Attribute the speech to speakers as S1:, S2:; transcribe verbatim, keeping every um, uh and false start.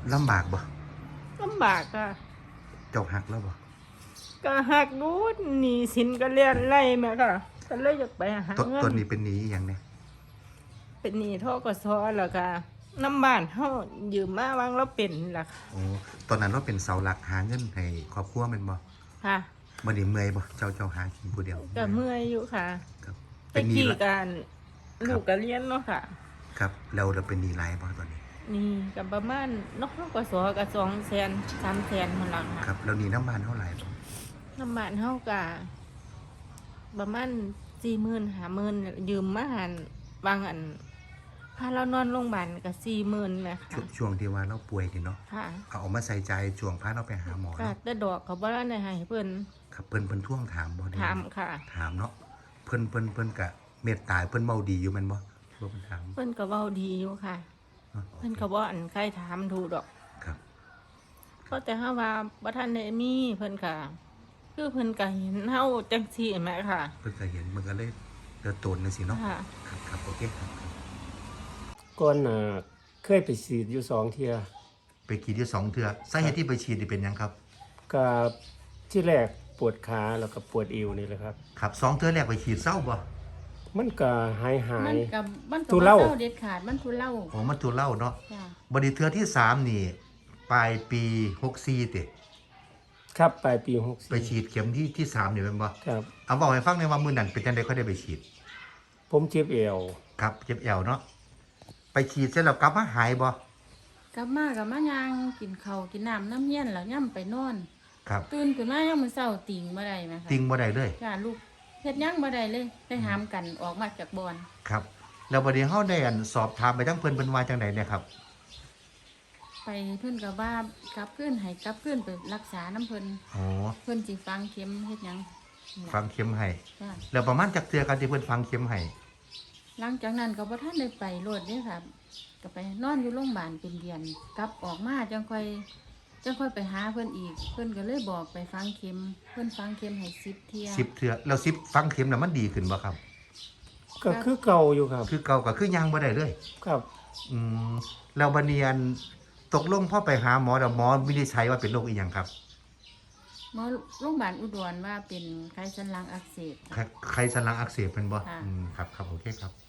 S1: ลำบากบ่
S2: ลำบากค่ะ
S1: เจ้าหักแล้วบ่
S2: ก็หักดูหนี้สินก็เลียนไล่แม่ค่ะก็เลยอยากไปหา
S1: ตัว
S2: เงิน
S1: ตัวนี้เป็นหนี้อหย่างเนี้ย
S2: เป็นหนี้ทกสแล้วก็น้ำบ้านเฮายืมมาวางแล้วเป็นล่ะค่ะ
S1: โอ้ตอนนั้นเราเป็นเสาหลักหาเงินให้ครอบครัวแม่นบ่
S2: ค่ะ
S1: บ่ได้เมื่อยบ่เจ้าเจ้าหากินผู้เดียว
S2: ก็เมื่อยอยู่ค่ะ
S1: ครับ
S2: ตะกี้การลูกก็เรียนเนาะค่ะ
S1: ครับแล้วเราเป็นหนี้หลายบ่ตอนนี้
S2: นี่ก็ประมาณนอกทกสก็สองแสนสามแสนพุ่นล่ะค่ะ
S1: ครับแล้วหนี้น้ำบ้านเท่าไหร่บ่
S2: น้ำบ้านเฮาก็ประมาณสี่หมื่นห้าหมื่นยืมมาหันบางอันพาเรานอนโรงพยาบาลก็สี่หมื่นแหละค่ะ
S1: ช่วงที่ว่าเราป่วยนี่เนาะ
S2: ค่ะ
S1: เอาออกมาใส่ใจช่วงพาเราไปหาหมอ
S2: ก็แต่ดอกเขาบ่ได้ให้เพิ่น
S1: ครับเพิ่นเพิ่นท่วงถามบ่ได้
S2: ถามค่ะ
S1: ถามเนาะเพิ่นเพิ่นเพิ่นก็เมตตาเพิ่นเว้าดีอยู่แม่นบ่เพิ่นถาม
S2: เพิ่นก็เว้าดีอยู่ค่ะเพิ่นก็บ่อันใครถามถูกดอก
S1: ครับ
S2: เพราะแต่เฮาว่าบ่ทันได้มีเพิ่นก็คือเพิ่นก็เห็นเฮาจังซี่แหมค่ะ
S1: เพิ่นก็เห็นมันก็เลยเดือดตนจังซี่เนาะ
S2: ค่ะ
S1: ครับครับโอเคครับ
S3: ก่อนน่ะเคยไปฉีดอยู่สองเที่ย
S1: ไปฉีดอยู่สองเทื่อสาเหตุที่ไปฉีดนี่เป็นหยังครับ
S3: ก็ที่แรกปวดขาแล้วก็ปวดเอวนี่แหละครับ
S1: ครับสองเทื่อแรกไปฉีดเศร้าบ่
S3: มันก็หายหา
S2: มั
S3: ย
S2: นก็มันก็
S3: ทุ
S2: บ่
S3: เลา
S2: เศร้าเด็ดขาดมันทุเลา
S1: โอ้มันทุเลาเนาะ
S2: จ้ะ
S1: บัดนี้เทื่อที่สามนี่ปลายปีหกสี่ติ
S3: ครับปลายปีหกสิบ
S1: ไปฉีดเข็มที่ที่สามนี่แม่นบ่
S3: ครับ
S1: เอาเว้าให้ฟังหน่อยว่ามื้อนั้นเป็นจังได๋ค่อยได้ไปฉีด
S3: ผมเจ็บเอว
S1: ครับเจ็บเอวเนาะไปฉีดเสร็จแล้วกลับมาหายบ่
S2: กลับมาก็มาย่างกินข้าวกินน้ำน้ำเย็นแล้วย่ํไปนอน
S1: ครับ
S2: ตื่นขึ้นมายามมื้อเช้าติงบ่ได้แม่ค่ะ
S1: ติงบ่ได้เลย
S2: จ้ะลูกเฮ็ดหยังบ่ได้เลยได้หามกันออกมาจากบ่อน
S1: ครับแล้วบัดนี้เฮาได้อันสอบถามไปทั้งเพิ่นเพิ่นว่าจังได๋เนี่ยครับ
S2: ไปเพิ่นก็ว่ากลับคืนให้กลับคืนไปรักษาน้ำเพิ่น
S1: อ๋อ
S2: เพิ่นสิฟังเข็มเฮ็ดหยัง
S1: ฟังเข็มให้
S2: จ้ะ
S1: แล้วประมาณจักเทื่อกันที่เพิ่นฟังเข็มให้
S2: หลังจากนั้นก็บ่ทันได้ไปโลดเด้ค่ะก็ไปนอนอยู่โรงพยาบาลเป็นเดือนกลับออกมาจังค่อยจังค่อยไปหาเพิ่นอีกเพิ่นก็เลยบอกไปฟังเข็มเพิ่นฟังเข็มให้สิบเที่ย
S1: สิบเทื่อแล้วสิบฟังเข็มน่ะมันดีขึ้นบ่ครับ
S3: ก็คือเก่าอยู่ครับ
S1: คือเก่าก็คือย่างบ่ได้เลย
S3: ครับ
S1: อืมแล้วบัดนี้อันตกลงพอไปหาหมอแล้วหมอวินิจฉัยว่าเป็นโรคอีหยังครับ
S2: หมอโรงพยาบาลอุดรว่าเป็นไขสันหลังอักเสบ
S1: ไขสันหลังอักเสบเป็นบ่
S2: ค่ะ
S1: อืมครับครับโอเคครับ